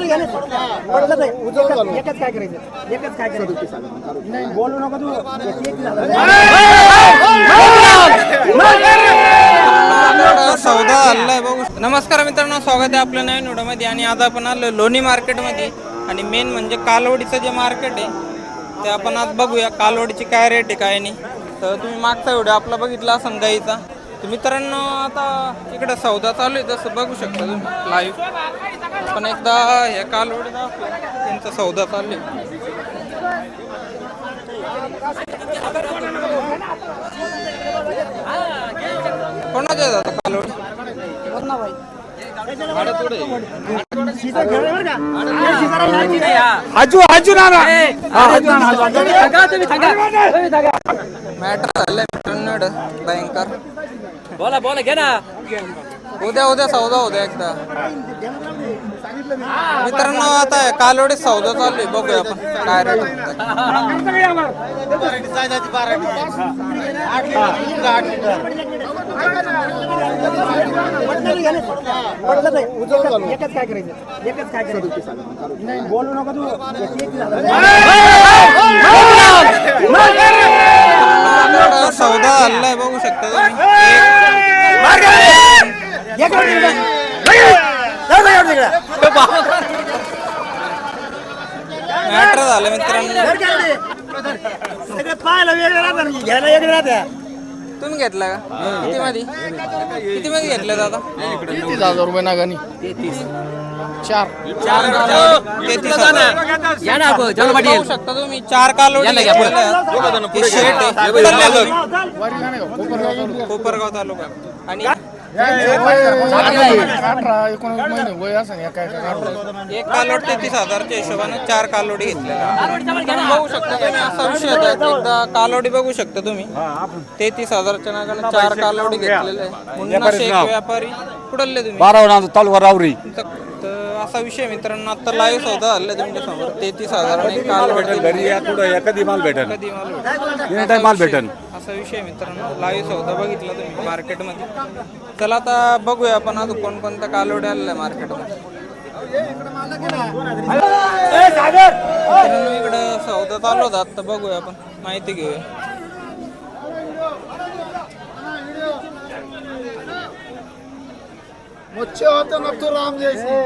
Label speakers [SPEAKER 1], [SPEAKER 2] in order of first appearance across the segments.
[SPEAKER 1] एकच काय करायचं एकच काय करायचं नाही बोलू नको तू
[SPEAKER 2] सौदा आलाय बघू. नमस्कार मित्रांनो, स्वागत आहे आपल्या नवीन व्हिडिओमध्ये. आणि आज आपण आलो लोणी मार्केटमध्ये. आणि मेन म्हणजे कालवडीचं जे मार्केट आहे ते आपण आज बघूया. कालवडीची काय रेट आहे काय नाही. तर तुम्ही मागचा व्हिडिओ आपला बघितला असेल गाईचा. तर मित्रांनो आता इकडे सौदा चालू आहे, जसं बघू शकता तुम्ही लाईव्ह. पण एकदा हे कालवडी त्यांचा सौदा चालू आहे. कोणाच्या जातात कालवडी? मॅटर झालंय मित्रांनो भयंकर.
[SPEAKER 3] बोला बोला घे ना.
[SPEAKER 2] उद्या सौदा होता एकदा. मित्रांनो आता कालवडी सौदा चालू आहे, बघूया आपण काय रेट.
[SPEAKER 1] एकच काय करायचं एकच काय करायचं नाही बोलू नको तू
[SPEAKER 2] सौदा आलाय बघू शकता तुम्ही. मॅटर झालं मित्रांनो.
[SPEAKER 1] पाहायला वेगळं राहतं घ्यायला वेगळं राहतं.
[SPEAKER 2] तुम्ही घेतला का? किती मध्ये घेतलं दादा?
[SPEAKER 4] 30,000 रुपये नागानी. 4
[SPEAKER 2] बघू शकता तुम्ही. 4 कालवडी कोपरगाव तालुका. आणि
[SPEAKER 4] 18-19 महिने वय असं
[SPEAKER 2] एक कालवड 33,000च्या हिशोबाने 4 कालवडी घेतल्या. बघू शकता तुम्ही. असा विषय होता. एकदा कालवडी बघू शकता तुम्ही. 33,000च्या नागाने 4 कालवडी घेतलेले आहे. मुन्ना शेख व्यापारी कुठले तुम्ही?
[SPEAKER 5] 12 तालुका रावरी.
[SPEAKER 2] तर असा विषय मित्रांनो, आता लाईव्ह सौदा झाला तुमच्या समोर. 33,000 कालवडी
[SPEAKER 5] घरी या कुठं कधी माल भेटेल,
[SPEAKER 2] कधी
[SPEAKER 5] माल भेटेल.
[SPEAKER 2] असा विषय मित्रांनो. लाईव्ह सौदा बघितला तुम्ही मार्केटमध्ये. चला आता बघूया आपण अजून कोणकोणत्या कालवड्या आलेल्या आहे मार्केटमध्ये. इकडे सौदा चालू होता, आता बघूया आपण माहिती घेऊया.
[SPEAKER 4] मच्छी होतं ना तू राम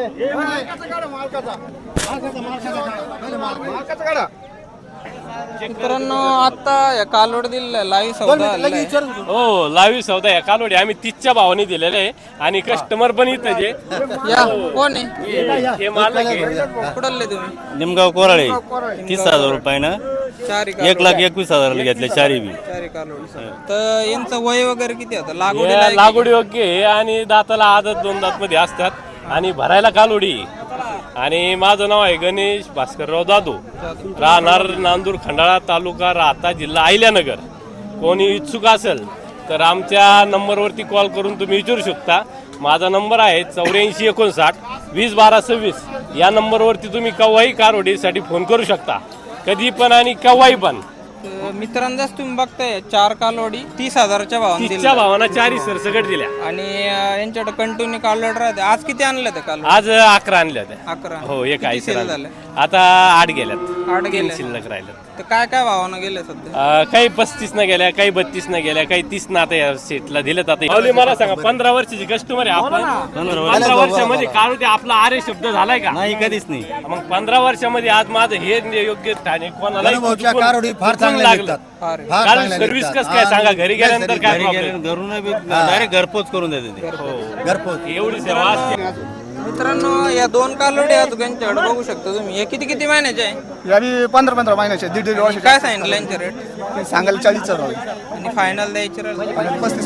[SPEAKER 2] मित्रांनो आता या कालवड दिलेला लाईव्ह सौदा आलेला आहे.
[SPEAKER 3] हो लाईव्ह सौदा आहे. कालवडी आम्ही 30च्या भावाने दिलेले आहे. आणि कस्टमर पण इथं जे
[SPEAKER 2] या कोण आहे?
[SPEAKER 3] हे मालक आहे.
[SPEAKER 2] कुठले तुम्ही?
[SPEAKER 5] निमगाव कोराळे. 30,000 रुपयानं 1,21,000 घेतले चारी बी.
[SPEAKER 2] तर यांचं वय वगैरे किती आता?
[SPEAKER 3] लागवडी योग्य आहे आणि दाताला आदत 2 दात मध्ये असतात. आणि भरायला कालवडी. आणि माझं नाव आहे गणेश भास्करराव जाधव, राहणार नांदूर खंडाळा तालुका राहता जिल्हा अहिल्यानगर. कोणी इच्छुक असेल तर आमच्या नंबरवरती कॉल करून तुम्ही विचारू शकता. माझा नंबर आहे 8459 201226. या नंबरवरती तुम्ही केव्हाही कालवडीसाठी फोन करू शकता, कधी पण आणि केव्हाही पण.
[SPEAKER 2] मित्रांनो तुम्ही बघताय 4 कालवडी 30,000च्या भावाने
[SPEAKER 3] 30च्या भावाना 4 सरसकट दिल्या.
[SPEAKER 2] आणि यांच्याकडे कंटिन्यू कालवड राहते. आज किती आणलं ते काल?
[SPEAKER 3] आज 11 आणल्या होत्या.
[SPEAKER 2] 11.
[SPEAKER 3] हो एक आहे
[SPEAKER 2] झालं.
[SPEAKER 3] आता 8 गेल्यात.
[SPEAKER 2] 8 गेले.
[SPEAKER 3] शिल्लक राहिल्यात.
[SPEAKER 2] तर काय काय भावानं गेले सध्या?
[SPEAKER 3] काही 35 न गेल्या, काही 32 न गेल्या, काही 30 ना आता या सेटला दिलेत. आता मला सांगा, 15 वर्षाची कस्टमर आहे आपण. 15 वर्षामध्ये काढू ते आपला आरे शब्द झालाय का?
[SPEAKER 5] नाही, कधीच नाही.
[SPEAKER 3] मग 15 वर्षामध्ये आज माझं हे योग्य ठाणे कोणाला
[SPEAKER 5] फार चांगले लागतात.
[SPEAKER 3] काल सर्व्हिस कसं काय सांगा? घरी गेल्यानंतर काय problem?
[SPEAKER 5] घरून डायरेक्ट घरपोच करून देते. घरपोच
[SPEAKER 3] एवढी सेवा असते.
[SPEAKER 2] मित्रांनो या 2 कालवडी आहेत त्यांच्याकडे बघू शकता तुम्ही. हे किती किती महिन्याचे आहे?
[SPEAKER 4] यावी 15 महिन्याचे 1.5 वर्ष.
[SPEAKER 2] काय सांगितलं यांचे रेट?
[SPEAKER 4] सांगायला 40
[SPEAKER 2] आणि फायनल द्यायचे
[SPEAKER 4] 35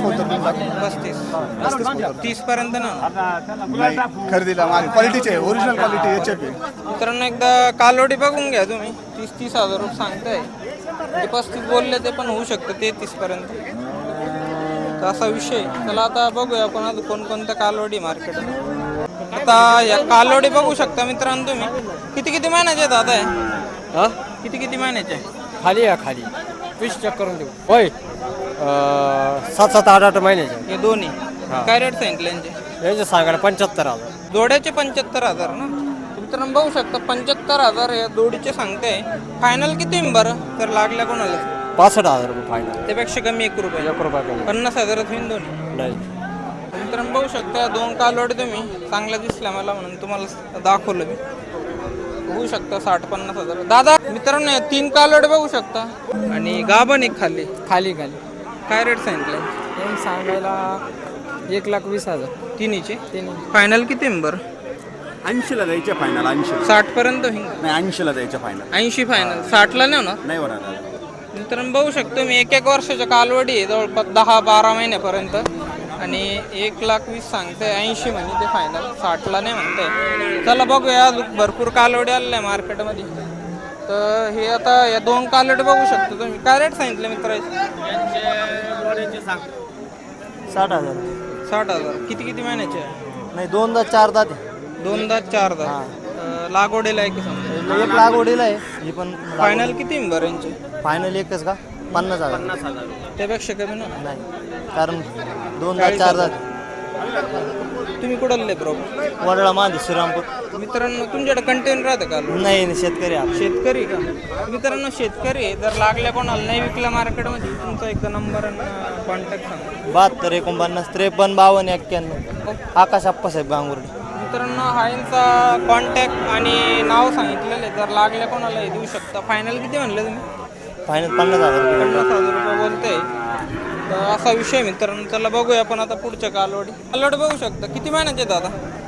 [SPEAKER 2] 35 30 पर्यंत ना
[SPEAKER 4] खरेदीला माल क्वालिटीचे ओरिजिनल क्वालिटी HF.
[SPEAKER 2] मित्रांनो एकदा कालवडी बघून घ्या तुम्ही. 30,000 रुपये सांगताय. 35 बोलले ते पण होऊ शकतं 33 पर्यंत. तर असा विषय. चला आता बघूया आपण अजून कोणकोणत्या कालवडी मार्केट. आता या कालवडी बघू शकता मित्रांनो तुम्ही. किती किती महिन्याचे दादा आहे? किती किती महिन्याचे?
[SPEAKER 6] खाली या खाली 20 चेक करून देऊ. होय 7-7 8-8 महिन्याचे.
[SPEAKER 2] हे दोन्ही काय रेट सांगितले यांचे?
[SPEAKER 6] यांचे सांगायला 75,000.
[SPEAKER 2] जोड्याचे 75,000 ना. मित्रांनो बघू शकता 75,000 या जोडीचे सांगते. फायनल किती आहे बरं तर लागल्या कोणाला?
[SPEAKER 6] 65,000 रुपये फायनल.
[SPEAKER 2] त्यापेक्षा कमी 1 रुपये.
[SPEAKER 6] 1 रुपया कमी
[SPEAKER 2] 50,000 होईन दोन्ही.
[SPEAKER 6] नाही.
[SPEAKER 2] मित्रांनो बघू शकता 2 कालवडी तुम्ही चांगल्या दिसल्या मला म्हणून तुम्हाला दाखवलं मी. बघू शकता 60-50,000. दादा मित्रांनो 3 कालवडी बघू शकता आणि गाभण एक खाली
[SPEAKER 6] खाली
[SPEAKER 2] काय रेट सांगितलं?
[SPEAKER 6] सांगायला 1,20,000
[SPEAKER 2] तिन्हीचे. फायनल किती आहे बरं?
[SPEAKER 7] 80ला द्यायचे फायनल. 80
[SPEAKER 2] 60 पर्यंत होईल.
[SPEAKER 7] नाही 80ला द्यायचे फायनल.
[SPEAKER 2] 80 फायनल. 60ला नाही होणार.
[SPEAKER 7] नाही होणार.
[SPEAKER 2] मित्रांनो बघू शकतो मी 1-1 वर्षाच्या कालवडी आहे जवळपास 10-12 महिन्यापर्यंत आणि 1,20,000 सांगते. 80 म्हणजे ते फायनल. 60ला नाही म्हणते. चला बघूया भरपूर कालवडी आलेल्या आहे मार्केटमध्ये. तर हे आता या 2 कालवडी बघू शकतो तुम्ही. काय रेट सांगितलं मित्र?
[SPEAKER 6] 60,000.
[SPEAKER 2] 60,000. किती महिन्याचे आहे?
[SPEAKER 6] नाही 2 दात 4 दात
[SPEAKER 2] 2 दात 4 दात. लागवडीला आहे की समजा?
[SPEAKER 6] 1 लाख ओढीला आहे ही पण.
[SPEAKER 2] फायनल किती बरं यांचे?
[SPEAKER 6] फायनल एकच का? 50,000.
[SPEAKER 2] त्यापेक्षा कमी ना?
[SPEAKER 6] नाही कारण 2 दात 4 दात.
[SPEAKER 2] तुम्ही कुठले बरोबर?
[SPEAKER 6] वडळा मांदी श्रीरामपूर.
[SPEAKER 2] मित्रांनो तुमच्याकडे कंटेन राहतं का?
[SPEAKER 6] नाही शेतकरी आहे.
[SPEAKER 2] शेतकरी का? मित्रांनो शेतकरी आहे. जर लागल्या कोणाला नाही विकला मार्केटमध्ये तुमचा एकदा नंबर आणि कॉन्टॅक्ट सांगा.
[SPEAKER 6] 72 49 53 52 91. आकाश आप्पासाहेब गांगुर्डे.
[SPEAKER 2] मित्रांनो हा यांचा कॉन्टॅक्ट आणि नाव सांगितलेलं आहे. जर लागल्या कोणाला हे देऊ शकता. फायनल किती म्हणलं तुम्ही?
[SPEAKER 6] फायनल 50,000 रुपये.
[SPEAKER 2] 50,000 रुपये बोलते. तर असा विषय मित्रांनो. चला बघूया आपण आता पुढच्या कालवडी बघू शकता. किती महिन्याचे दादा?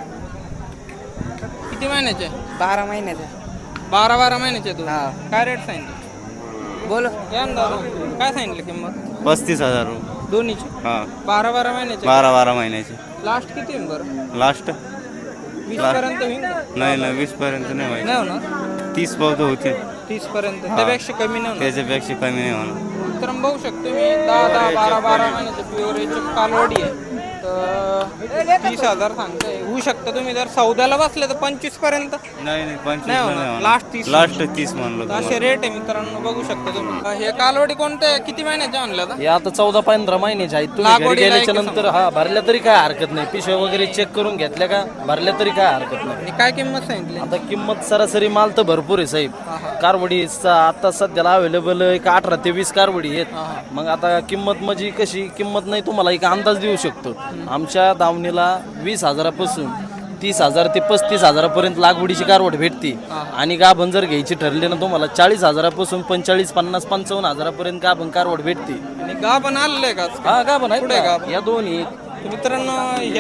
[SPEAKER 2] किती महिन्याचे?
[SPEAKER 1] 12 महिन्याचा.
[SPEAKER 2] 12 महिन्याचे तू. काय रेट सांगितलं?
[SPEAKER 1] बोल.
[SPEAKER 2] या ना दादा काय सांगितलं किंमत?
[SPEAKER 5] 35,000 रुपये.
[SPEAKER 2] दोन्हीची. 12 महिन्याचे.
[SPEAKER 5] 12 महिन्याचे.
[SPEAKER 2] लास्ट किती आहे बरं?
[SPEAKER 5] लास्ट
[SPEAKER 2] 20 पर्यंत होईल का?
[SPEAKER 5] नाही 20 पर्यंत नाही व्हायचं.
[SPEAKER 2] नाही होणार.
[SPEAKER 5] 30 बहुत होते.
[SPEAKER 2] 30 पर्यंत. त्यापेक्षा कमी नाही होणार.
[SPEAKER 5] त्याच्यापेक्षा कमी नाही होणार.
[SPEAKER 2] तर बघू शकतो मी 10-10 12-12 महिन्याचे प्युअर याची कालवडी आहे. तर 30,000 सांगते. होऊ शकतं तुम्ही जर सौद्याला बसले तर 25 पर्यंत.
[SPEAKER 5] नाही 25
[SPEAKER 2] नाही
[SPEAKER 5] नाही
[SPEAKER 2] होणार.
[SPEAKER 5] होणार.
[SPEAKER 2] लास्ट 30.
[SPEAKER 5] लास्ट 30 म्हणलं.
[SPEAKER 2] असे रेट आहे मित्रांनो. बघू शकता तुम्ही. हे कालवडी कोणते किती महिन्याचे आणलं?
[SPEAKER 6] हे आता 14-15 महिन्याचे आहेत. तुम्ही घरी
[SPEAKER 2] लागवडीला
[SPEAKER 6] गेल्याच्या
[SPEAKER 2] आहे
[SPEAKER 6] नंतर हा भरल्या तरी काय हरकत नाही. पिशव्या वगैरे चेक करून घेतल्या का भरल्या तरी काय हरकत नाही.
[SPEAKER 2] आणि काय किंमत सांगितली?
[SPEAKER 6] आता किंमत सरासरी माल तर भरपूर आहे साहेब. कारवडी आता सध्याला अवेलेबल एक 18 ते 20 कारवडी आहेत. मग आता किंमत म्हणजे कशी किंमत नाही तुम्हाला एक अंदाज देऊ शकतो. आमच्या दावणीला 20,000 पासून 30,000 ते 35,000 पर्यंत लागवडीची कारवड भेटते. आणि गाभण जर घ्यायची ठरली ना तुम्हाला 40,000 पासून 45, 50, 55,000 पर्यंत गाभण कारवड भेटते.
[SPEAKER 2] आणि गाभण आलेलं आहे का?
[SPEAKER 6] हा गाभण आहे.
[SPEAKER 2] कुठे गाभण?
[SPEAKER 6] या दोन्ही
[SPEAKER 2] मित्रांनो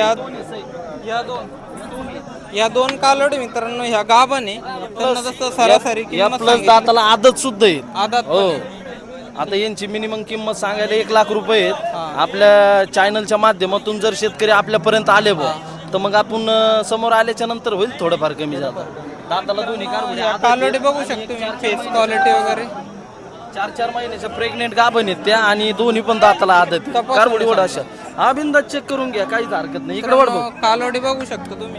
[SPEAKER 2] या दोन कालवडी मित्रांनो ह्या गाभण आहे. त्यांना जसं सरासरी
[SPEAKER 6] या
[SPEAKER 2] किंमत
[SPEAKER 6] प्लस दाताला आदत सुद्धा आहे.
[SPEAKER 2] आदात
[SPEAKER 6] हो आता यांची मिनिमम किंमत सांगायला 1 लाख रुपये आहेत. आपल्या चॅनलच्या माध्यमातून जर शेतकरी आपल्यापर्यंत आले बा तर मग आपण समोर आल्याच्या नंतर होईल थोडंफार कमी जातं. दाताला दोन्ही
[SPEAKER 2] कालवडी बघू शकतो मी. फेस क्वालिटी वगैरे
[SPEAKER 6] 4-4 महिन्याच्या प्रेग्नेंट गाभण आहेत त्या आणि दोन्ही पण दाताला आदत आहे. कारवडी वड अशा हा बिंदात चेक करून घ्या काहीच हरकत नाही. इकडे वड बघ.
[SPEAKER 2] कालवडी बघू शकतो तुम्ही.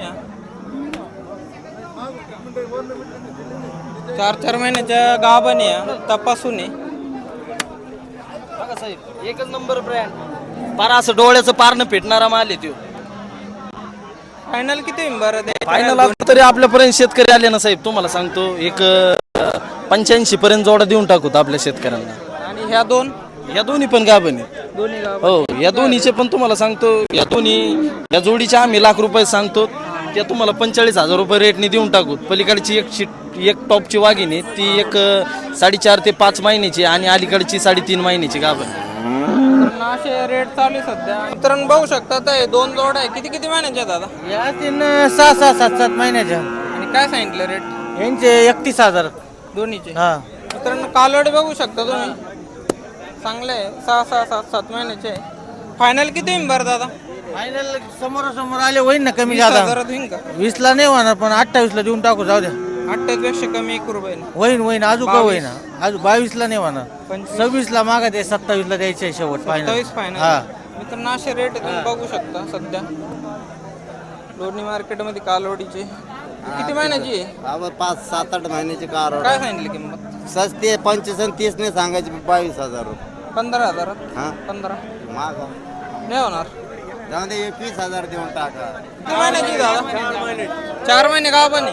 [SPEAKER 2] 4-4 महिन्याच्या गाभण आहे. तपासून आहे.
[SPEAKER 6] बघा साहेब एकच नंबर ब्रँड. पार असं डोळ्याचं पारणं फेटणारा माल आहे तो.
[SPEAKER 2] फायनल किती बरं दे?
[SPEAKER 6] फायनल तरी आपल्यापर्यंत शेतकरी आले ना साहेब तुम्हाला सांगतो एक 85 पर्यंत जोडा देऊन टाकूत आपल्या शेतकऱ्यांना.
[SPEAKER 2] आणि ह्या दोन
[SPEAKER 6] या दोन्ही पण गाभण आहेत.
[SPEAKER 2] दोन्ही गाभण.
[SPEAKER 6] हो या दोन्हीचे पण तुम्हाला सांगतो या जोडीचे आम्ही लाख रुपये सांगतो. त्या तुम्हाला 45,000 रुपये रेटने देऊन टाकू. पलीकडची एक टॉपची वाघिणी ती एक 4.5 ते 5 महिन्याची आणि अलीकडची 3.5 महिन्याची गाभण.
[SPEAKER 2] असे रेट चालू आहे सध्या. मित्रांनो बघू शकता ते 2 जोड आहे. किती महिन्याचे आहेत दादा?
[SPEAKER 6] या 6-6, 7-7 महिन्याच्या.
[SPEAKER 2] आणि काय सांगितलं रेट
[SPEAKER 6] यांचे 31,000
[SPEAKER 2] दोन्हीचे?
[SPEAKER 6] हा
[SPEAKER 2] मित्रांनो कालवडी बघू शकता तुम्ही. चांगले आहे. 6-6, 7-7 महिन्याचे. फायनल किती बरं दादा?
[SPEAKER 6] फायनल समोर आले होईल ना कमी
[SPEAKER 2] 20,000 होईल का?
[SPEAKER 6] 20 ला नाही होणार पण 28 ला देऊन टाकू जाऊ द्या.
[SPEAKER 2] 28 पेक्षा कमी 1 रुपये
[SPEAKER 6] होईन अजून का होईना अजून 22 ला नाही होणार. 26 ला मागा ते 27 ला द्यायचे शेवट फायनल.
[SPEAKER 2] 27 फायनल.
[SPEAKER 6] हा
[SPEAKER 2] मित्रांनो असे रेट तुम्ही बघू शकता सध्या लोणी मार्केटमध्ये कालवडीचे. किती महिन्याची आहे?
[SPEAKER 8] 5-7-8 महिन्याची कार.
[SPEAKER 2] काय सांगितली किंमत?
[SPEAKER 8] सस्ते 25 आणि 30 नाही सांगायची 22,000 रुपये.
[SPEAKER 2] 15,000.
[SPEAKER 8] हा
[SPEAKER 2] 15
[SPEAKER 8] माग
[SPEAKER 2] नाही होणार.
[SPEAKER 8] जाऊ दे 21,000 देऊन टाका.
[SPEAKER 2] किती महिन्याची दादा? 4 महिने गाभण आहे.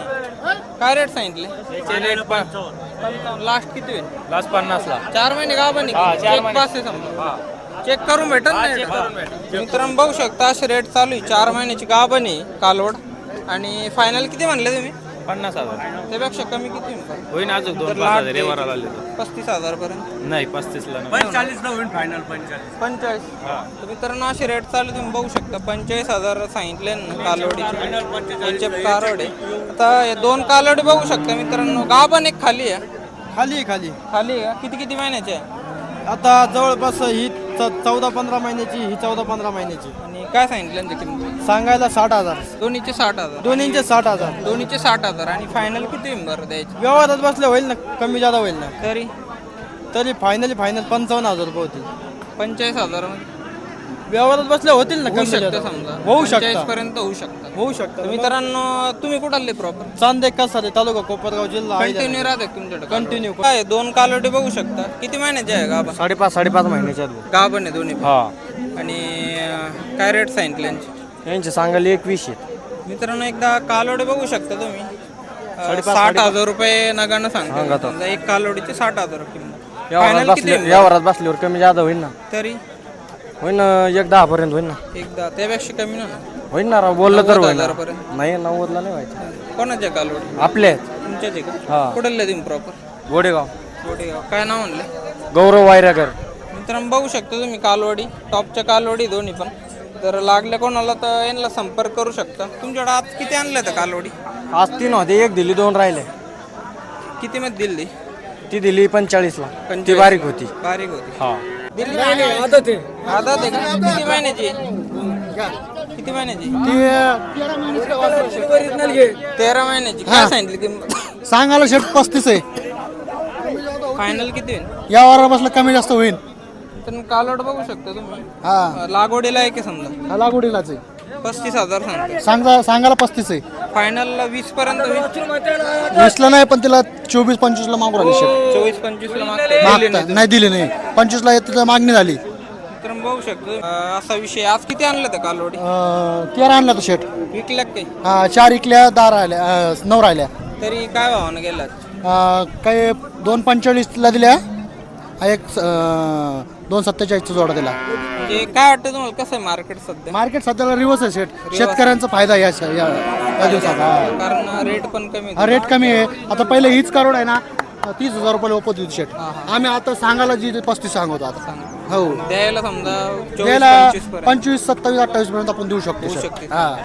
[SPEAKER 2] काय रेट सांगितले? लास्ट किती होईल?
[SPEAKER 6] लास्ट 50 ला
[SPEAKER 2] 4 महिने गाभण आहे. चेक पास आहे समजा. चेक करून भेटत नाही. मित्रांनो बघू शकता असे रेट चालू आहे. 4 महिन्याची गाभण आहे कालवड. आणि फायनल किती म्हणले तुम्ही?
[SPEAKER 6] 50,000
[SPEAKER 2] त्यापेक्षा कमी किती
[SPEAKER 6] होईन अजून
[SPEAKER 2] तर
[SPEAKER 6] 2-5,000
[SPEAKER 2] लाट
[SPEAKER 6] व्यवहाराला आले
[SPEAKER 2] 35,000 पर्यंत.
[SPEAKER 6] नाही 35 ला
[SPEAKER 7] 45 होईल फायनल
[SPEAKER 2] 45. तर मित्रांनो असे रेट चालू तुम्ही बघू शकता. 45,000 सांगितले ना कालवडीचे. कालवडे आता हे 2 कालवडे बघू शकता मित्रांनो. गाभण एक खाली आहे.
[SPEAKER 1] खाली
[SPEAKER 2] खाली आहे. किती महिन्याचे आहे?
[SPEAKER 1] आता जवळपास ही 14-15 महिन्याची, ही 14-15 महिन्याची.
[SPEAKER 2] आणि काय सांगितलं त्यांची किंमत?
[SPEAKER 1] सांगायला 60,000.
[SPEAKER 2] दोन्हीचे 60,000.
[SPEAKER 1] दोन्हीचे 60,000.
[SPEAKER 2] दोन्हीचे 60,000. आणि फायनल किती होईल बरं द्यायचे?
[SPEAKER 1] व्यवहारात बसले होईल ना, कमी जादा होईल ना.
[SPEAKER 2] तरी
[SPEAKER 1] फायनल 55,000 रुपये होतील.
[SPEAKER 2] 45,000 मध्ये
[SPEAKER 1] व्यवहारात बसले होतील ना,
[SPEAKER 2] होऊ
[SPEAKER 1] कमी
[SPEAKER 2] शकतं
[SPEAKER 1] जादा.
[SPEAKER 2] समजा.
[SPEAKER 1] होऊ शकतं.
[SPEAKER 2] 45 पर्यंत होऊ शकतं.
[SPEAKER 1] होऊ शकतं.
[SPEAKER 2] मित्रांनो तुम्ही कुठाले प्रॉपर?
[SPEAKER 1] चांदे कसारे तालुका कोपरगाव जिल्हा
[SPEAKER 2] कंटिन्यू राहते तुमच्याकडे?
[SPEAKER 1] कंटिन्यू.
[SPEAKER 2] काय 2 कालवडे बघू शकता. किती महिन्याचे आहे गाभण?
[SPEAKER 1] 5.5 महिन्याच्या
[SPEAKER 2] गाभण आहे दोन्ही पण.
[SPEAKER 1] हा.
[SPEAKER 2] आणि काय रेट सांगितले यांचे?
[SPEAKER 1] यांचे सांगायला 21
[SPEAKER 2] मित्रांनो एकदा कालवडे बघू शकता तुम्ही. 60,000 रुपये नगानं सांगता. समजा एक कालवडीचे 60,000 किंमत. फायनल किती होईल?
[SPEAKER 1] व्यवहारात बसल्यावर कमी जादा होईल ना.
[SPEAKER 2] तरी
[SPEAKER 1] होईल ना, 1-10 पर्यंत होईल ना.
[SPEAKER 2] एकदा त्यापेक्षा कमी ना
[SPEAKER 1] होईल ना राव, बोललं तर होईल.
[SPEAKER 2] 90,000
[SPEAKER 1] नाही 90 ला नाही व्हायचं.
[SPEAKER 2] कोणाच्या कालवडी?
[SPEAKER 1] आपले
[SPEAKER 2] तुमच्याच आहे का?
[SPEAKER 1] हा.
[SPEAKER 2] कुठले तुम्ही प्रॉपर?
[SPEAKER 1] गोडेगाव.
[SPEAKER 2] गोटेगाव. काय नाव म्हणले?
[SPEAKER 1] गौरव वायरागर.
[SPEAKER 2] मित्रांनो बघू शकता तुम्ही कालवडी. टॉपच्या कालवडी दोन्ही पण. जर लागले कोणाला तर यांना संपर्क करू शकता. तुमच्याकडे आज किती आणले तर कालवडी?
[SPEAKER 1] आज 3 होते, 1 दिली, 2 राहिले.
[SPEAKER 2] किती मध्ये दिली?
[SPEAKER 1] ती दिली 45 ला.
[SPEAKER 2] 45.
[SPEAKER 1] ती बारीक होती.
[SPEAKER 2] बारीक होती.
[SPEAKER 1] हा.
[SPEAKER 2] दिली आदत आहे का? किती महिन्याची? किती महिन्याची? 13 महिन्याची. काय सांगितली किंमत?
[SPEAKER 4] सांगायला शेट 35 आहे.
[SPEAKER 2] फायनल किती होईल?
[SPEAKER 4] या वारा बसला कमी जास्त होईल.
[SPEAKER 2] तर कालवड बघू शकता तुम्ही.
[SPEAKER 4] हा
[SPEAKER 2] लागवडीला आहे की समजा?
[SPEAKER 4] लागवडीलाच आहे.
[SPEAKER 2] 35,000 सांगतो.
[SPEAKER 4] सांगायला 35 आहे.
[SPEAKER 2] फायनलला 20 पर्यंत होईल.
[SPEAKER 4] 20 नाही, पण तिला 24-25 ला मागू राहिली शेट.
[SPEAKER 2] 24-25 ला मागते.
[SPEAKER 4] नाही दिली नाही. 25 ला तिला मागणी झाली.
[SPEAKER 2] तर बघू शकतो असा विषय. आज किती आणलं तर कालवडी?
[SPEAKER 4] 13 आणला तर शेट.
[SPEAKER 2] विकल्या काही?
[SPEAKER 4] 4 इकल्या, 10 राहिल्या, 9 राहिल्या.
[SPEAKER 2] तरी काय भावानं गेला?
[SPEAKER 4] काही 2.45 ला दिल्या. एक 2.47 जोडा दिला.
[SPEAKER 2] म्हणजे काय वाटतं तुम्हाला कसं आहे मार्केट सध्या?
[SPEAKER 4] मार्केट सध्याला रिवर्स आहे शेट. शेतकऱ्यांचा फायदा या दिवसात.
[SPEAKER 2] कारण रेट पण कमी
[SPEAKER 4] हा रेट कमी आहे. आता पहिले हीच करोड आहे ना 30,000 रुपयाला ओपत होती शेट. आम्ही आता सांगायला जी 35 सांगतो आता. हो
[SPEAKER 2] द्यायला समजा
[SPEAKER 4] द्यायला
[SPEAKER 2] 24-25 पर्यंत
[SPEAKER 4] 25, 27, 28 पर्यंत आपण देऊ शकतो शेट. हा.